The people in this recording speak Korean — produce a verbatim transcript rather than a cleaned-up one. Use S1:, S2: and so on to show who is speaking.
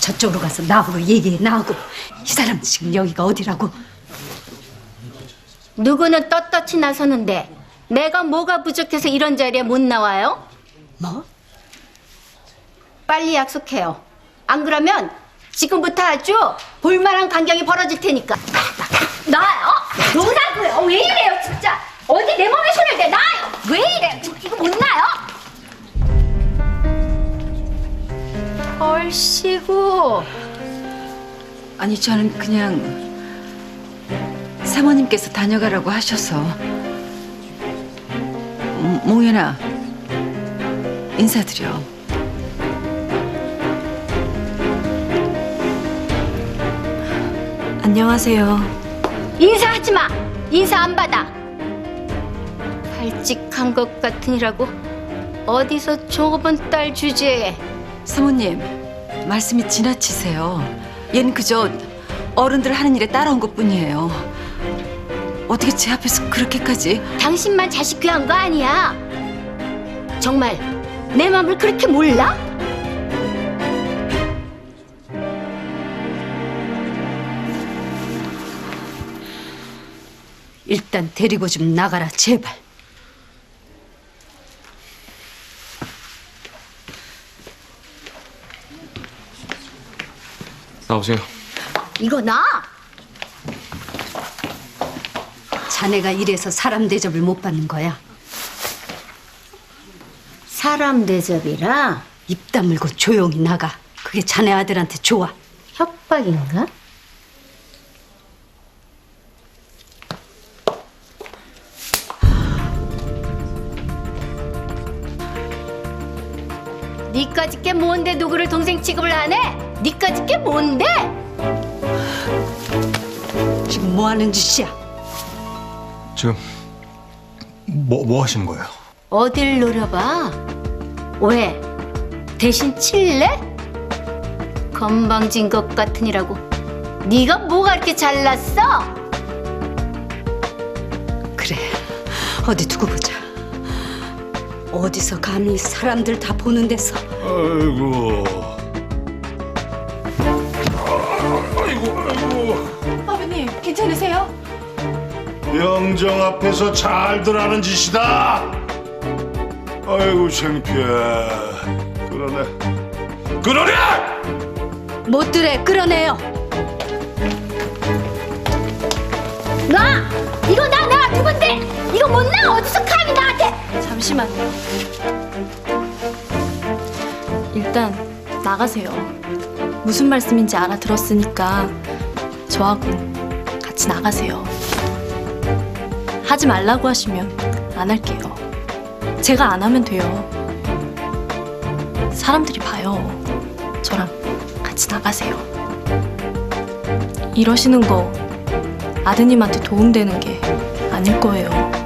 S1: 저쪽으로 가서 나하고 얘기해. 나하고. 이 사람 지금 여기가 어디라고?
S2: 누구는 떳떳이 나서는데 내가 뭐가 부족해서 이런 자리에 못 나와요?
S1: 뭐?
S2: 빨리 약속해요. 안 그러면 지금부터 아주 볼만한 광경이 벌어질 테니까. 나요? 노라고요? 왜 이래요 진짜? 어디 내 몸에 손을 대? 나요? 왜 이래요? 이거 못 나요? 얼씨구.
S3: 아니 저는 그냥 사모님께서 다녀가라고 하셔서. 음, 몽연아 인사드려.
S4: 안녕하세요.
S2: 인사하지 마. 인사 안 받아. 발칙한 것 같으니라고 어디서 좁은 딸 주제에.
S3: 사모님 말씀이 지나치세요. 얜 그저 어른들 하는 일에 따라온 것뿐이에요. 어떻게 제 앞에서 그렇게까지.
S2: 당신만 자식 귀한 거 아니야. 정말 내 마음을 그렇게 몰라?
S1: 일단 데리고 좀 나가라 제발.
S5: 나오세요.
S2: 이거 나?
S1: 자네가 이래서 사람 대접을 못 받는 거야.
S2: 사람 대접이라
S1: 입 다물고 조용히 나가. 그게 자네 아들한테 좋아.
S2: 협박인가? 니까짓 게 뭔데 누구를 동생 취급을 안 해? 니까짓 게 뭔데?
S1: 지금 뭐 하는 짓이야?
S6: 지금 뭐, 뭐 하시는 거예요?
S2: 어딜 노려봐? 왜? 대신 칠래? 건방진 것 같으니라고. 네가 뭐가 이렇게 잘났어?
S1: 그래, 어디 두고 보자. 어디서 감히 사람들 다 보는 데서.
S6: 아이고. 아이고, 아이고.
S4: 아버님, 괜찮으세요?
S6: 영정 앞에서 잘들 하는 짓이다. 아이고 창피해. 그러네. 그러네!
S1: 못들에 끌어내요.
S2: 나! 이거 나! 내가 누군데? 이거 못 나! 어디서 감히 나한테!
S4: 잠시만요. 일단 나가세요. 무슨 말씀인지 알아들었으니까 저하고 같이 나가세요. 하지 말라고 하시면 안 할게요. 제가 안 하면 돼요. 사람들이 봐요. 저랑 같이 나가세요. 이러시는 거 아드님한테 도움되는 게 아닐 거예요.